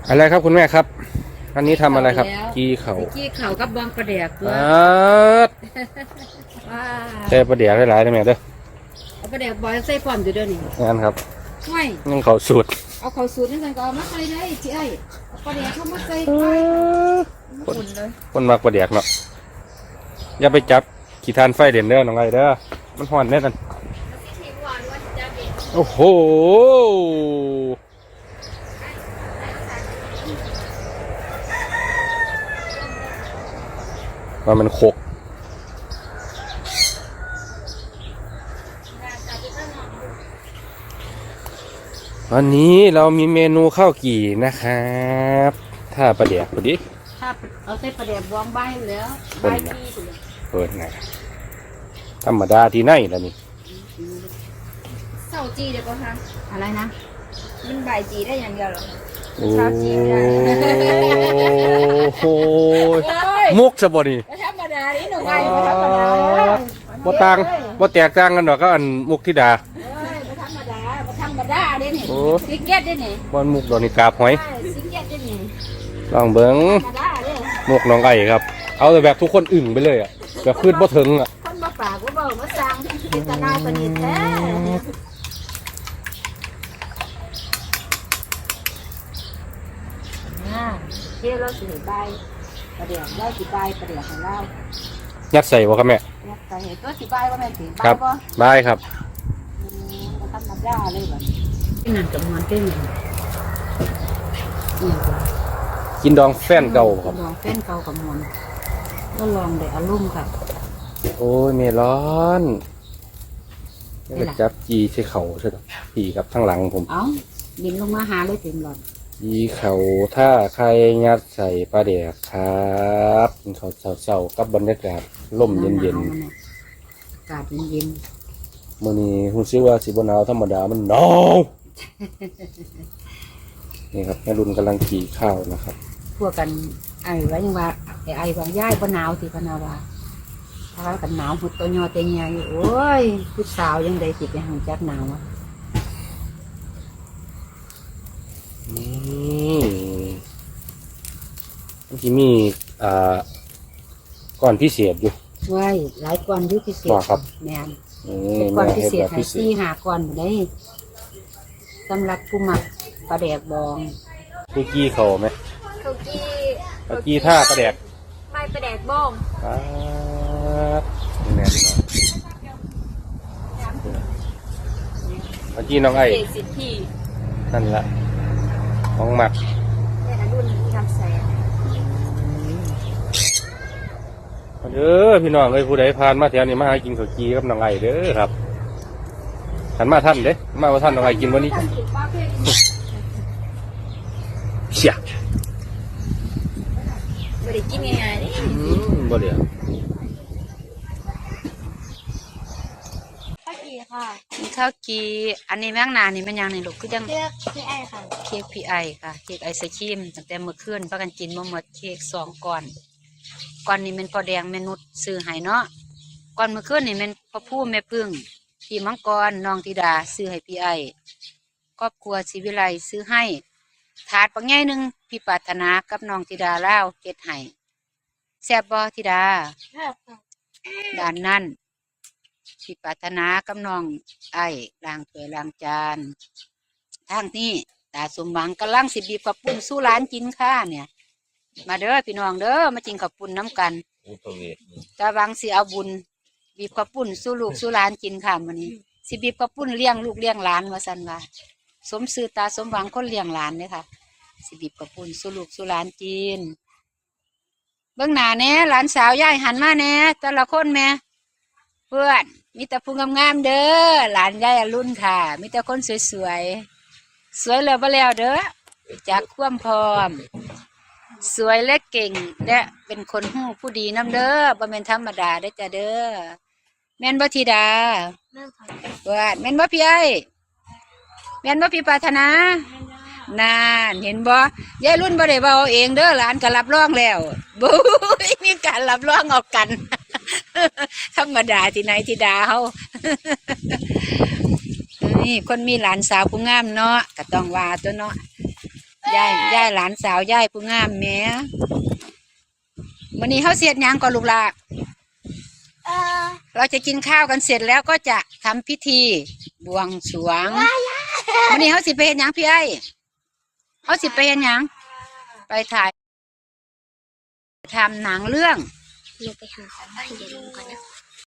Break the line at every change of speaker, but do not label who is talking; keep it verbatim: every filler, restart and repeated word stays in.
อะไรครับคุณแม่ครับอันนี้ทำอะไรครับกี้เขา
กี้เขากับบองประเดียกตัว
ใส่ประเดี๋ยวหลายๆได้ไหมเด้อ
เอาประเดียกบอยใส่พร้อมอยู่เดี๋ยวนี้
งั้นครับ
ไม่
งั้นเขาสูตร
เอาเขาสูตรนี่กันก็เอามาใส่ได้ที่ไอ้ประเดียกเขามาใส่ไป
คนคนมากประเดี๋ยวเนาะอย่าไปจับขี้ทานไฟเด่นเด้อน้องไงเด้อมันห่อนแน่กันโอ้โหว่ามันโคกวันนี้เรามีเมนูข้าวกี่นะครับถ้าประเดี๋ยวพอดี
ถ้าเอาใส่ประเดี๋ยวบองใบแล้วใบที่
เปิดไงธรรมดาที่ไหนล่ะนี่
เสาจีเดี๋ยวก็ค่ะอะไรนะมันใบจีได้อย่างเดียวหรอ
โอ้โหมุกสบดี
ธรรมดานี่หนูไงธรรมดา
บ่ต่างบ่แตกต่างกันดอกก็อันมุกธิดา
ธรรมดาธรรมดาเด้นี่สิเก็ตเด้นี่
บ่มุกดอกนี่กาบหอย
สิเก็ตเด้นี่
ลองเบิ่งมุกน้องไก่ครับเอาแต่แบบทุกคนอึ่งไปเลยอ่ะแบบคืดบ่ถึงอ่ะ
คนบ่ปากบ่เบ้าบ่สั่งเป็นตาหน้าปนิดแท้เที่ยวเราสิใบประเดี๋ยวได้สิใบประเดี๋ยวของเรา
ยัดใส่บ่ครับแม่
ยัดใส่ตัวสิใบว่าแม่สิใบ
บ่ใบครับ
มันธรรมดาเลยแบบนี่นั่นกับมันเป็น
กินดองแฟนเก่าครับ
ดองแฟนเก่ากับมันก็ลองเดี๋ยวอารมณ์ครับ
โอ้ยเมร้อนจะจับจีใช้เข่าใช่ไหมผีครับข้างหลังผม
เอ้าดินลงมาหาเลยเต็มหลอด
จีเข่าถ้าใครยัดใส่ปลาแดกครับเขาเศร้าๆกับบรรยากาศร่มเย็นๆ
อากาศเย็น
ๆมื้อนี้รู้สึกว่าสิบ่หนาวธรรมดามันหนาว นี่ครับแม่รุ่นกำลังขี่ข้าวนะครับ
พวกกันไอ้ไว้ยังว่าไอ้ไอ้วางย่ายบ่หนาวสิพนาวาถ้ากันหนาวหุดตัวยอเตียงใหญ่โอ้ยผู้สาวยังได้สิไปหังจักหนาวอ่ะ
นี่ที่มีอ่าก่อนพิเศษอยู่
ไว้หลายก่อนยุพิเศษ
ครับ
แม่นเป็นก่อนพิเศษให้ซี่หาก่อนได้สำหรับผู้หมักปลาแดกบอง
คุกกี้เขาไหม
คุกกี้
คุกกี้ท่าปลาแดก
ไม่ปลาแดกบอง
อ่านี่แน่นี่เมื่อกี้น้องไอ้นั่นละของหมัก
รุ่นทำแสง
เด้อพี่น้องเอ้ยผู้ใดผ่านมาแถวนี้มาหากินข้าวจีกับน้องไอ้เด้อครับหันมาท่านเด้มาว่าท่านน้องไอ้กินวันนี้เชี่ย
บ่ได้กินง่ายๆนี่
บ่เดี๋ยว
ข้าวกีค่ะข้าวกีอันนี้แมงนานี่มันยังนี่ลูกคือยัง
เค้กพี่ไอค่ะ
เค้กพี่ไอค่ะเค้กไอศครีมตั้งแต่เมื่อคืนพากันกินมาหมดเค้กสองก้อนก้อนนี้เป็นพอแดงเมนุษซื้อให้เนาะก้อนเมื่อคืนนี่เป็นพ่อผู้แม่พึ่งพี่มังกรน้องธิดาซื้อให้พี่ไอครอบครัวศิวิไลซื้อให้ถาดปังใหญ่หนึ่งพี่ปรารถนากับน้องธิดาเล่าเก็ดให้แซ่บบ่ธิดาด้านนั้นพี่ปรารถนากับน้องไอ้ล้างถ้วยล้างจานทางนี้ตาสมหวังกำลังสิบีบกับปุ่นสู้ร้านกินข้าเนี่ยมาเด้อพี่น้องเด้อมากินกับปุ่นน้ำกันตาวังสิเอาบุญบีบกับปุ่นสู้ลูกสู้ร้านกินค่ะวันนี้สิบีบกับปุ่นเลี้ยงลูกเลี้ยงหลานว่าสันว่าสมซื่อตาสมหวังคนเลี้ยงหลานเนี่ยค่ะสิบีบกับปุ่นสู้ลูกสู้ร้านกินเบื้องหน้าเนี้ยหลานสาวย่ายหันมาเนี้ยแต่ละคนแม่เพื่อนมีแต่ผู้งามๆเด้อหลานย่ายรุ่นค่ะมีแต่คนสวยๆสวยแล้วบ่แล้วเด้อจากความพร้อมสวยและเก่งและเป็นคนหู้ผู้ดีน้ำเด้อบ่แม่นธรรมดาเด้อจ้าเด้อแม่นบ่ธิดาเพื่อนแม่นบ่พี่ไอ้แม่นบ่พี่ปรารถนานานเห็นบ่ยายรุ่นบ่ได้เว้าเองเด้อหลานก็รับรองแล้วบุ้ยมีการรับรองออกกันธรรมดาที่ไหนธิดาเฮานี่คนมีหลานสาวผู้งามเนาะก็ต้องว่าตัวเนาะยายยายหลานสาวยายผู้งามแหม่วันนี้เขาเสียดหยังก่อนลูกหลาน
เออ
เราจะกินข้าวกันเสร็จแล้วก็จะทำพิธีบวงสรวงวันนี้เขาสิไปเห็นหยังพี่ไอ้เขาสิไปเห็นหยังไปถ่ายทำหนังเรื่อง
หนูไปหาของบ้านเดี๋ยวลุงก่อนนะ